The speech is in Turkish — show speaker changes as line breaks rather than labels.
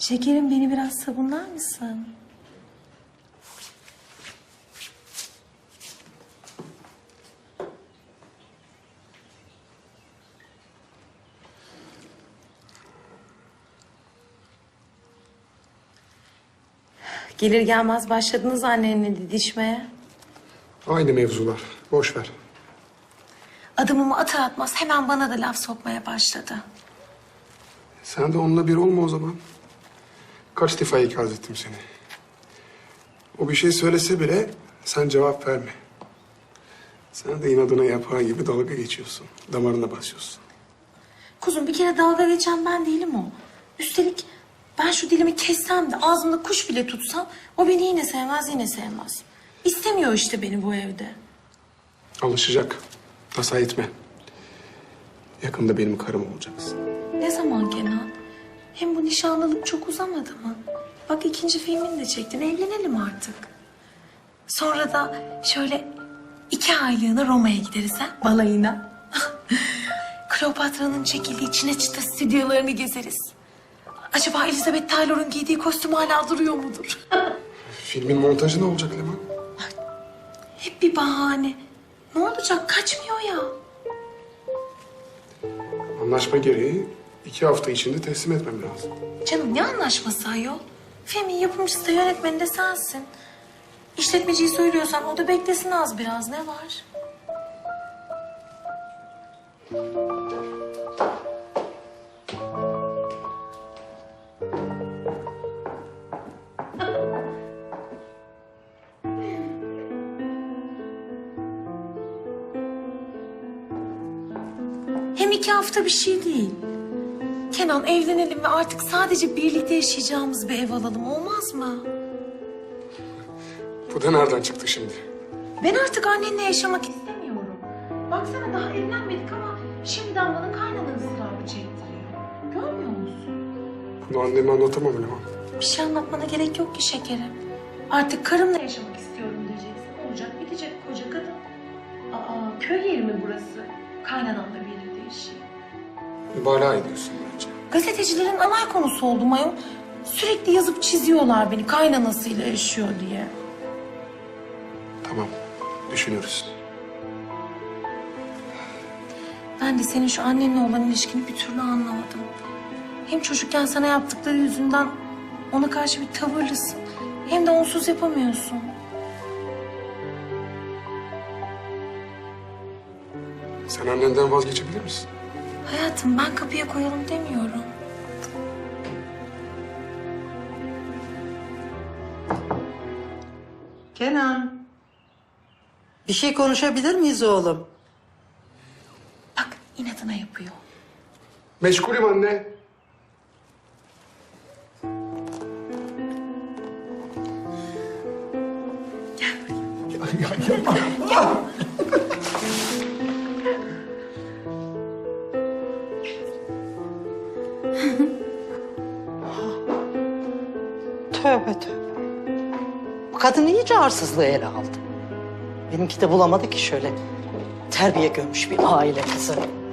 Şekerim beni biraz sabunlar mısın? Gelir gelmez başladınız annenle didişmeye.
Aynı mevzular. Boş ver.
Adımımı atar atmaz hemen bana da laf sokmaya başladı.
Sen de onunla bir olma o zaman. Kaç defa ikaz ettim seni. O bir şey söylese bile sen cevap verme. Sen de inadına yapağı gibi dalga geçiyorsun. Damarına basıyorsun.
Kuzum bir kere dalga geçen ben değilim o. Üstelik ben şu dilimi kessem de ağzımda kuş bile tutsam o beni yine sevmez yine sevmez. İstemiyor işte beni bu evde.
Alışacak. Tasa etme. Yakında benim karım olacaksın.
Ne zaman Kenan? Hem bu nişanlılık çok uzamadı mı? Bak ikinci filmini de çektin. Evlenelim artık. Sonra da şöyle 2 aylığına Roma'ya gideriz ha? Balayına. Kleopatra'nın çekildiği Çine Çıta stüdyolarını gezeriz. Acaba Elizabeth Taylor'un giydiği kostüm hala duruyor mudur?
Filmin montajı ne olacak Leman?
Hep bir bahane. Ne olacak? Kaçmıyor ya.
Anlaşma gereği 2 hafta içinde teslim etmem lazım.
Canım ne anlaşması ayol? Filmin yapımcısı da yönetmeni de sensin. İşletmeciyi söylüyorsan o da beklesin az biraz. Ne var? Hem 2 hafta bir şey değil. Kenan evlenelim ve artık sadece birlikte yaşayacağımız bir ev alalım olmaz mı?
Bu da nereden çıktı şimdi?
Ben artık annenle yaşamak istemiyorum. Baksana daha evlenmedik ama şimdiden bana kaynana ısrarı çektiriyor. Görmüyor musun?
Bunu anneme anlatamam Leman.
Bir şey anlatmana gerek yok ki şekerim. Artık karımla yaşamak istiyorum diyeceksin. Olacak bitecek koca kadın. Aa köy yeri mi burası? Kaynanamla birlikte yaşayayım.
Mübalağa ediyorsun bence.
Gazetecilerin alay konusu oldum ayol. Sürekli yazıp çiziyorlar beni kaynanasıyla yaşıyor diye.
Tamam, düşünürüz.
Ben de senin şu annenle olan ilişkini bir türlü anlamadım. Hem çocukken sana yaptıkları yüzünden ona karşı bir tavırlısın. Hem de onsuz yapamıyorsun.
Sen annenden vazgeçebilir misin?
Hayatım ben kapıya koyalım demiyorum.
Kenan. Bir şey konuşabilir miyiz oğlum?
Bak inadına yapıyor.
Meşgulüm anne.
Tövbe tövbe. Bu kadın iyice arsızlığı ele aldı. Benimki de bulamadı ki şöyle terbiye görmüş bir aile kızı.